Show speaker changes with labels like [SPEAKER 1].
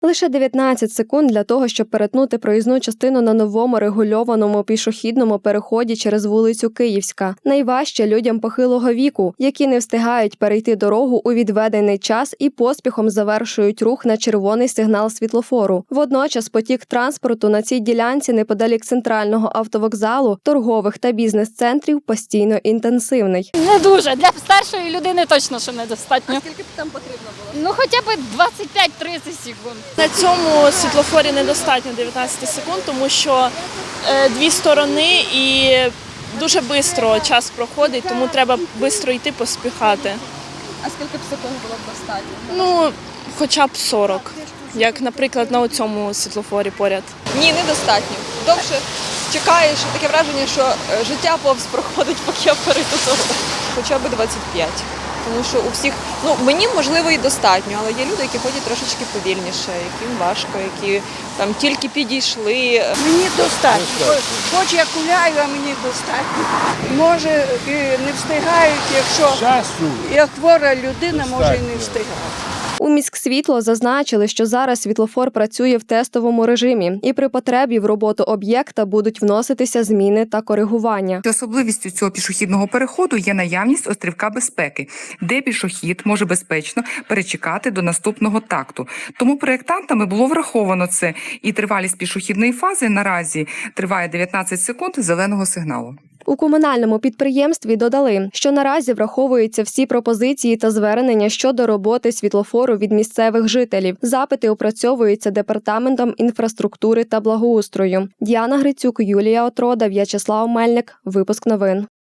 [SPEAKER 1] Лише 19 секунд для того, щоб перетнути проїзну частину на новому регульованому пішохідному переході через вулицю Київська. Найважче людям похилого віку, які не встигають перейти дорогу у відведений час і поспіхом завершують рух на червоний сигнал світлофору. Водночас потік транспорту на цій ділянці неподалік центрального автовокзалу, торгових та бізнес-центрів постійно інтенсивний.
[SPEAKER 2] Не дуже. Для старшої людини точно, що недостатньо.
[SPEAKER 3] А скільки б там потрібно було?
[SPEAKER 2] Ну, хоча б 25-30 секунд.
[SPEAKER 4] На цьому світлофорі недостатньо 19 секунд, тому що дві сторони і дуже швидко час проходить, тому треба швидко йти, поспіхати.
[SPEAKER 3] А скільки б секунд було б достатньо?
[SPEAKER 4] Ну, хоча б 40, як, наприклад, на цьому світлофорі поряд.
[SPEAKER 3] Ні, недостатньо. Довше чекаєш, таке враження, що життя повз проходить, поки я перейду дорогу. Хоча б 25. Тому що у всіх, мені, можливо, і достатньо, але є люди, які ходять трошечки повільніше, яким важко, які там тільки підійшли.
[SPEAKER 5] Мені достатньо. Хоч я гуляю, а мені достатньо. Може, і не встигають, якщо як хвора людина, може і не встигає.
[SPEAKER 1] У міськсвітло зазначили, що зараз світлофор працює в тестовому режимі, і при потребі в роботу об'єкта будуть вноситися зміни та коригування.
[SPEAKER 6] Особливістю цього пішохідного переходу є наявність острівка безпеки, де пішохід може безпечно перечекати до наступного такту. Тому проєктантами було враховано це, і тривалість пішохідної фази наразі триває 19 секунд зеленого сигналу.
[SPEAKER 1] У комунальному підприємстві додали, що наразі враховуються всі пропозиції та звернення щодо роботи світлофору від місцевих жителів. Запити опрацьовуються Департаментом інфраструктури та благоустрою. Діана Грицюк, Юлія Отрода, В'ячеслав Мельник. Випуск новин.